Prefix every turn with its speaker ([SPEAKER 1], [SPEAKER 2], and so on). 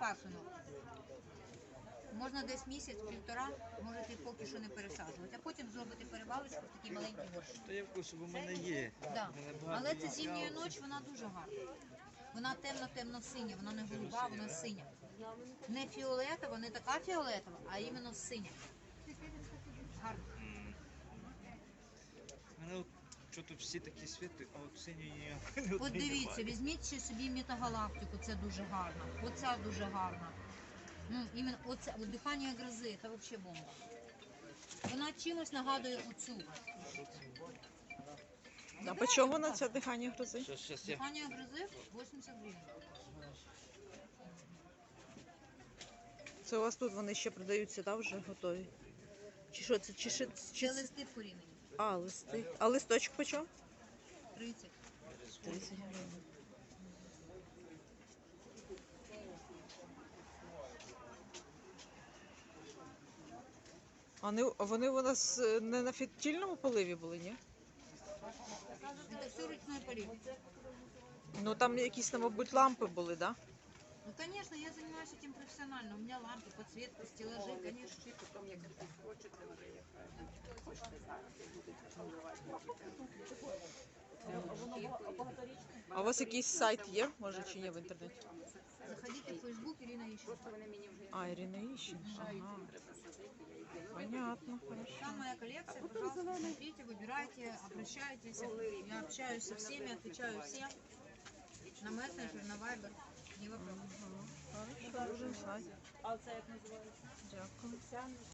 [SPEAKER 1] пасинок. Можна десь місяць-півтора, можете поки що не пересаджувати, а потім зробити перевалочку в такий маленький горщик.
[SPEAKER 2] То я в курсі, бо в мене є.
[SPEAKER 1] Да.
[SPEAKER 2] В мене багато
[SPEAKER 1] Але це
[SPEAKER 2] є.
[SPEAKER 1] зимня ніч, вона дуже гарна. Вона темно-темно-синя, вона не голуба, вона синя. Не фіолетова, не така фіолетова, а іменно синя. Гарно.
[SPEAKER 2] У мене от, що тут всі такі світи, а от синьої ніякої
[SPEAKER 1] От дивіться, візьміть ще собі метагалактику, це дуже гарно. Оця дуже гарна. Ну, іменно оце, от дихання грози, це взагалі бомба. Вона чимось нагадує оцю.
[SPEAKER 3] А по чому на це дихання грози?
[SPEAKER 2] Щас я.
[SPEAKER 1] Дихання грози 80 гривень.
[SPEAKER 3] Це у вас тут вони ще продаються, да, вже готові? Чи що це?
[SPEAKER 1] Це листи вкорінені.
[SPEAKER 3] А, листи. А листочок по чому?
[SPEAKER 1] 30.
[SPEAKER 3] 30 гривень. А вони у нас не на фітільному поливі були, ні?
[SPEAKER 1] Це все ручной полив.
[SPEAKER 3] Ну там якісь, мабуть, лампи були, да?
[SPEAKER 1] Ну, конечно, я занимаюсь этим профессионально. У меня лампы, подсветка, стеллажи, конечно.
[SPEAKER 3] А у вас якийсь сайт є, може, чи є в інтернеті?
[SPEAKER 1] Заходите в Facebook, Ирина ищет.
[SPEAKER 3] А, Ірина Іщенко. Ага. Понятно, хорошо.
[SPEAKER 1] Там моя коллекция, пожалуйста, смотрите, выбирайте, обращайтесь. Я общаюсь со всеми, отвечаю всем. На мессенджер, на вайбер. Не вопрос.
[SPEAKER 3] Хорошо, будемо знати. Дякую.